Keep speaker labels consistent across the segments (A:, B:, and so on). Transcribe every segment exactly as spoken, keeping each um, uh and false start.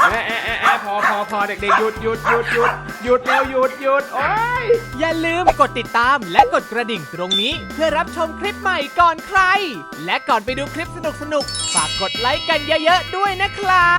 A: แอะแอะแอะแอะพอพอพอเด็กๆหยุดหยุดหยุดหยุดหยุดแล้วหยุดหยุดโอ้ยอย่าลืมกดติดตามและกดกระดิ่งตรงนี้เพื่อรับชมคลิปใหม่ก่อนใครและก่อนไปดูคลิปสนุกๆฝากกดไลค์กันเยอะๆด้วยนะครับ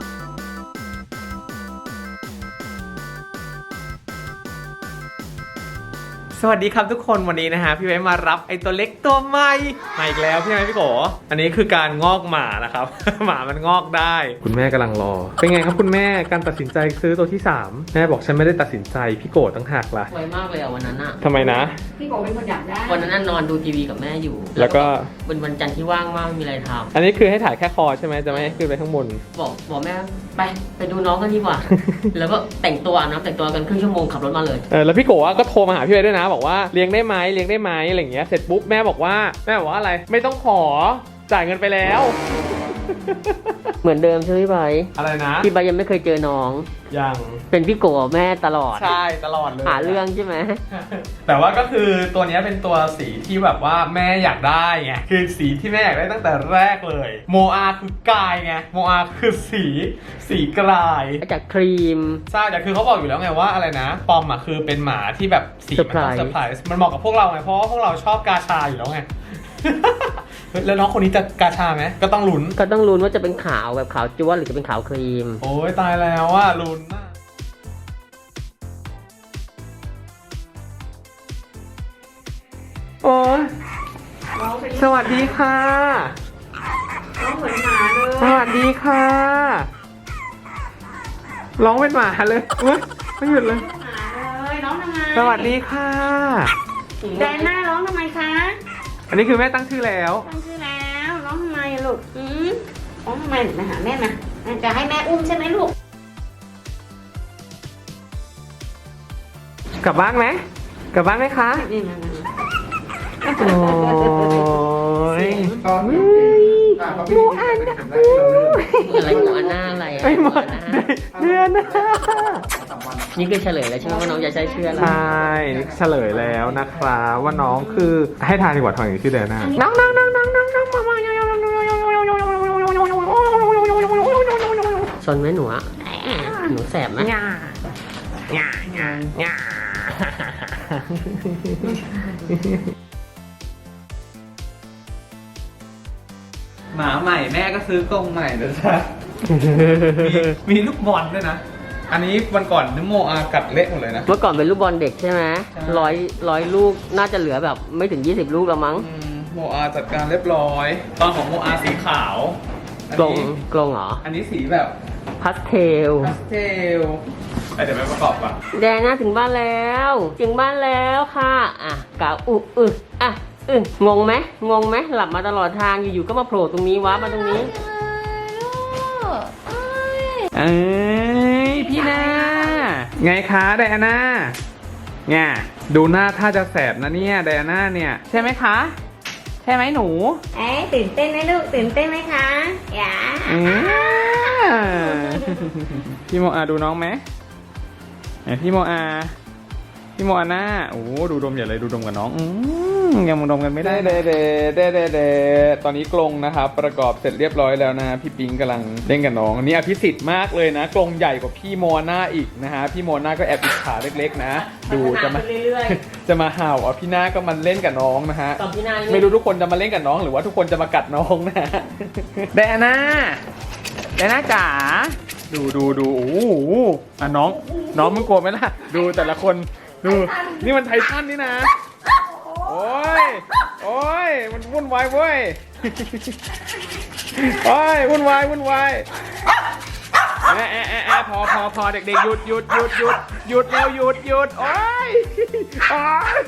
A: สวัสดีครับทุกคนวันนี้นะฮะพี่ไว้มารับไอตัวเล็กตัวใหม่มาอีกแล้วพี่ไว้พี่โกอันนี้คือการงอกหมานะครับ หมามันงอกได้คุณแม่กำลังรอเป็นไงครับคุณแม่การตัดสินใจซื้อตัวที่สามแม่บอกฉันไม่ได้ตัดสินใจพี่โกตั้งหักละ
B: ไวมากเลยอ่ะวันนั้นอ่ะ
A: ทำไมนะ
C: พี่โกเป็นคนอยากได้
B: วันนั้นนอนดูทีวีกับแม่อยู่
A: แล้วก็
B: เป็นวันจันทร์ที่ว่างมากไม่มีอะไรทำ
A: อันนี้คือให้ถ่ายแค่คอใช่ไหมจะไม่ให้ขึ้นไปข้างบน
B: บอกบอกแม่ไปไปดูน้องกันดีกว่า แล้วก็แต่งตัวนะแต่งตัวกันครึ่งชั่วโมงขับรถมาเลย
A: เออแล้วพี่โกก็โทรมาหาพี่ไว้ด้วยนะบอกว่าเลี้ยงได้ไหมเลี้ยงได้ไหมอะไรอย่างเงี้ยเสร็จปุ๊บแม่บอกว่าแม่บอกว่าอะไรไม่ต้องขอจ่ายเงินไปแล้ว
B: เหมือนเดิมใช่ไหมพี่ใบ
A: อะไรนะ
B: พี่ใบยังไม่เคยเจอน้อง
A: ยัง
B: เป็นพี่โกแม่ตลอด
A: ใช่ตลอดเลย
B: หาเรื่องใช่ไหม
A: แต่ว่าก็คือตัวนี้เป็นตัวสีที่แบบว่าแม่อยากได้ไงคือสีที่แม่อยากได้ตั้งแต่แรกเลยโมอาคือกายไงโมอาคือสีสีกลาย
B: จากครีม
A: ใช่แต่คือเขาบอกอยู่แล้วไงว่าอะไรนะปอมอ่ะคือเป็นหมาที่แบบสีมันต้องเซอร์ไพรส์มันเหมาะกับพวกเราไงเพราะว่าพวกเราชอบกาชาอยู่แล้วไงแล้วน้องคนนี้จะกาชาไหมก็ต้องลุ้น
B: ก็ต้องลุ้นว่าจะเป็นขาวแบบขาวจ้วนหรือจะเป็นขาวครีม
A: โอ้ยตายแล้วว่าลุ้นมากโอ้ยสวัสดีค่ะ
C: ร้องเหมือนหมาเลย
A: สวัสดีค่ะร้องเป็นหมาเลยเว้ยไม่หยุดเลย
C: หมาเลยร้องทำไม
A: สวัสดีค่ะ
C: แดนหน้าร้องทำไมคะ
A: อันนี้คือแม่ตั้งชื่อแล้ว
C: ตั้งชื่อแล้วร้องทำไมลูกอืมร้องทำไมมาหาแม่มาจะให้แม่อุ้มใช่ไหมลูก
A: กลับบ้านไหมกลับบ้านไหมคะ
C: นี่มา
A: โอ้ย
C: โมอันนะ
B: อะไรโมอันหน้าอะไร
A: ไอ้หมาเดือนนะ
B: นี่คือเฉลยแล้วใช่ไหมว่าน้องจะใช้ชื่ออะไร
A: ใช่เฉลยแล้วนะครับว่าน้องคือให้ทายดีกว่าทอยชื่อเดือนหน้าน้องน้องน้องน้องน้องน้องมามา
B: ซนไหมหนูอะหนูแสบไหม
A: ง่าง่าง่าง่าหมาใหม่แม่ก็ซื้อกรงใหม่เลยจ้ะมีลูกบอลด้วยนะอันนี้วันก่อนนึกโมอากัดเละหมดเลยนะ
B: เมื่อก่อนเป็นลูกบอลเด็กใช่ไหมร้อยร้อยลูกน่าจะเหลือแบบไม่ถึงยี่สิบลูกแล้วมั้ง
A: โมอาจัดการเรียบร้อยตอนของโมอาสีขาว
B: กลงกลงเหรอ
A: อันนี้สีแบบ
B: พาสเทล
A: พาสเทลเดี๋ยวไปประกอบก่อน
B: แดนน่าถึงบ้านแล้วถึงบ้านแล้วค่ะอ่ะกะอุอึอ่ะอึงงไหมงงไหมหลับมาตลอดทางอยู่ๆก็มาโผล่ตรงนี้วะมาตรงนี้
A: เอ้ยพี่นาไงคะไดอาน่าเนี่ยดูหน้าถ้าจะแสบนะเนี่ยไดอาน่าเนี่ยใช่ไหมคะใช่ไหมหนู
C: เอ๊ะตื่นเต้นไหมลูกตื่นเต้นไหมคะอย่า
A: พี่โมอาดูน้องไหมพี่โมอาพี่โมอาน่าโอ้ดูดมอย่าเลยดูดมกับน้องอืมยังดมกันไม่ได้เด้เด้เด้เด้เด้ตอนนี้กรงนะครับประกอบเสร็จเรียบร้อยแล้วนะพี่ปิงกำลังเล่นกับน้องอันนี้อภิสิทธิ์มากเลยนะกรงใหญ่กว่าพี่โมอาน่าอีกนะฮะพี่โมอาน่าก็แอบอิจฉาเล็กๆนะดูจะมาจะมาเห่าอ่ะพี่น่าก็มันเล่นกับน้องนะฮะไม่รู้ทุกคนจะมาเล่นกับน้องหรือว่าทุกคนจะมากัดน้องนะไดอาน่าไดอาน่าจ๋าดูดูดูโอ้โหอ่ะน้องน้องมึงกลัวไหมล่ะดูแต่ละคนดูนี่มันไททันนี่นะโอ้ยโอ้ยมันวุ่นวายเว้ยโอ้ยวุ่นวายวุ่นวายแอะแอะแอะแอะพอพอพอเด็กๆหยุดหยุดหยุดหยุดหยุดแล้วหยุดหยุดโอ้ยโอ้ย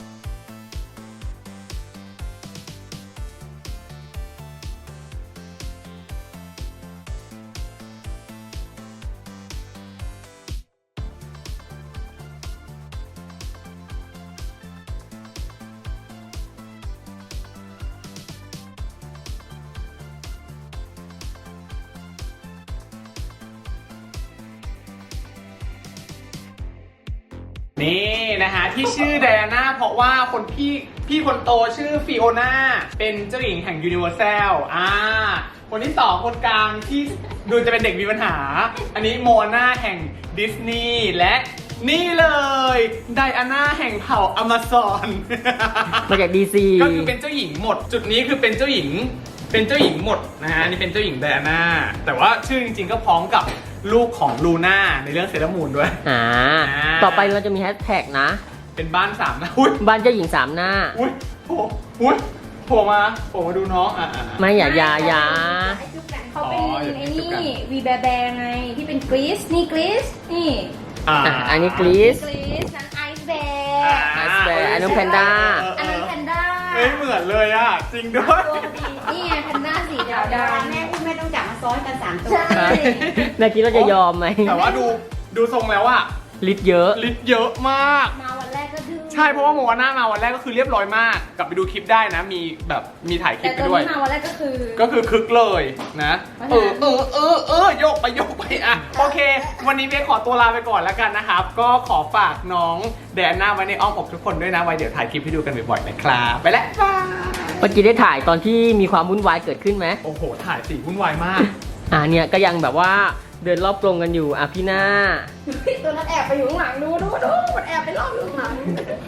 A: นี่นะฮะที่ชื่อไดอาน่าเพราะว่าคนพี่พี่คนโตชื่อฟิโอน่าเป็นเจ้าหญิงแห่งยูนิเวอร์แซลอ่าคนที่สองคนกลางที่ดูจะเป็นเด็กมีปัญหา อันนี้โมอาน่าแห่งดิสนีย์และนี่เลยไดอาน่าแห่งเผ่าอเมซอน
B: มาจากดีซี
A: ก็คือเป็นเจ้าหญิงหมด จุดนี้คือเป็นเจ้าหญิง เป็นเจ้าหญิงหมดนะฮะอันนี่เป็นเจ้าหญิงไดอาน่าแต่ว่าชื่อจริงๆก็พ้องกับลูกของลูน่าในเรื่องเซเลอรามูนด้วย
B: อ่า
A: อ่า
B: ต่อไปเราจะมีแฮชแท็กนะ
A: เป็นบ้านสามหน้าอุ้ย
B: บ้านเจ้าหญิงสามหน้า
A: อุ้ยโผล่อุ้ยโผล่มาโผล่มาดูน้องอ่ะอ่ะอ่ะ
B: ไม่อย่าอย่าอย่า
C: เขาเป็น
A: อ๋ออย่า
C: ไอ้
A: จุ๊บกัน
C: นี่วีแบร์แบร์ไงที่เป็นกรีซนี่กรีซนี่
A: อ่า
B: อ่ะอันนี้กรีซ
C: กรีซนั้นไอซ์แบ
A: อ่า
C: ร์
B: ไอซ์แบร์อันนู้นแพนด้า
A: เออ
C: อัน
A: เอ
C: นั้น
A: อ
C: แพนด้า
A: เอ้ยเหมือนเลยอ่ะจริงด้วย
C: ตัวดีนี่ไงแพนด้าสีดำดำแม่อุ้มแม่ต้องจับมาซ้อนกันสามตัว
B: ใช่แม่คิดว่าจะยอมไหม
A: แต่ว่าดูดูทรงแล้วอะ
B: ลิตรเยอะ
A: ลิตรเยอะมาก
C: มาวันแรกก็ดื้อ
A: ใช่เพราะว่าโมอาน่ามาวันแรกก็คือเรียบร้อยมาก กลับไปดูคลิปได้นะ มีแบบมีถ่ายคลิ
C: แต่
A: ปไป
C: ตัว
A: ด้วย
C: นี้มาวันแรกก็คือ
A: ก็คือคึกเลยนะ
C: เพราะ
A: เอ
C: ฉะนั้น
A: อเออเออเออโยกไปโยกไปอ่ะโอเค วันนี้เบคขอตัวลาไปก่อนแล้วกันนะครับ ก็ขอฝากน้องแดนน่าไว้ในอ้อมอกทุกคนด้วยนะไว้เดี๋ยวถ่ายคลิปให้ดูกันบ่อยๆนะครับไปแล้วบาย
B: เมื่อกี้ได้ถ่ายตอนที่มีความวุ่นวายเกิดขึ้นไหม
A: โอ้โหถ่ายสีวุ่นวายมาก
B: อ่าเนี่ยก็ยังแบบว่าเดินรอบกรงกันอยู่อ่ะพี่หน้า
C: ตัวนั้นแอบไปอยู่ข้างหลังดูดูดูมันแอบไปรอบอยู่ข้างหลัง